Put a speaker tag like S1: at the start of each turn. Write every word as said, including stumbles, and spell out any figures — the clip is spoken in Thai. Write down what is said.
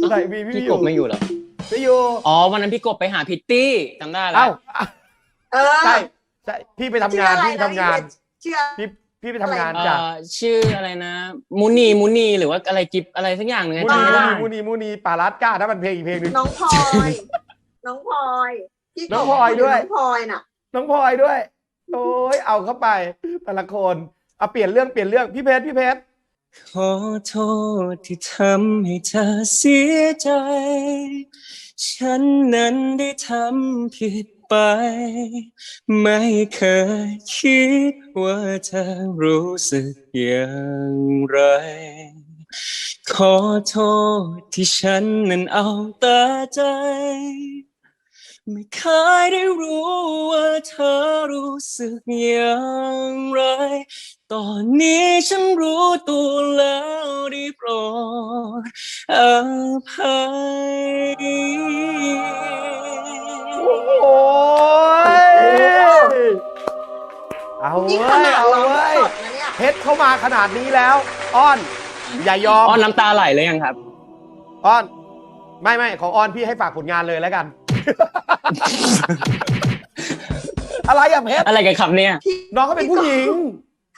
S1: ไหนมีพี่
S2: พี่
S1: อก ยู่
S2: บไม่อยู่เหรอ
S1: ไม่อยู่
S2: อ๋อวันนั้นพี่กบไปหาพิตตี้จำได้แล้
S1: เอ้าว
S3: เออ
S1: ใช่ใช่พี่ไปทำงานพี่ไปทำงาน
S3: เชื่อ
S1: พี่พี่ไปทำงาน
S2: เอ่
S1: จ้ะ
S2: อชื่ออะไรนะมูนีมูนีหรือว่าอะไรกิบอะไรสักอย่างหนึ่ง
S1: มู
S2: จำ
S1: นี
S2: ไม่
S1: มู
S2: ได้
S1: นีมูนีมูนีปารัสก้าถ้ามันเพลงอีกเพลงหนึง
S3: น้องพลอย น้องพลอยพี่กบ
S1: น้องพลอยด้วย
S3: น้องพลอยน่ะ
S1: น้องพลอยด้วยโอ้ยเอาเข้าไปแต่ละคนเอาเปลี่ยนเรื่องเปลี่ยนเรื่องพี่เพชรพี่เพชร
S2: ขอโทษที่ทำให้เธอเสียใจ ฉันนั้นได้ทำผิดไป ไม่เคยคิดว่าเธอรู้สึกอย่างไร ขอโทษที่ฉันนั้นเอาแต่ใจ ไม่เคยได้รู้ว่าเธอรู้สึกอย่างไร ตอนนี้ฉันรู้ตัวแล้วได้โปรดอภัย
S1: โอ้ยเอา
S3: นี่
S1: เว้
S3: ข
S1: ย
S3: นาด
S1: เอา
S3: ร้อง
S1: เว้ย
S3: สดนะเนี่ย
S1: เพชรเข้ามาขนาดนี้แล้ว อ้อน อย่ายอม
S2: อ้อนน้ำตาไหลเลยยังครับ
S1: อ้อน ไม่ไม่ของอ้อนพี่ให้ฝากผลงานเลยแล้วกัน อะไรอะเพชร
S2: อะไรกันครับเนี่ย
S1: น้องเขาเป็นผู้หญิง
S3: พี่กบ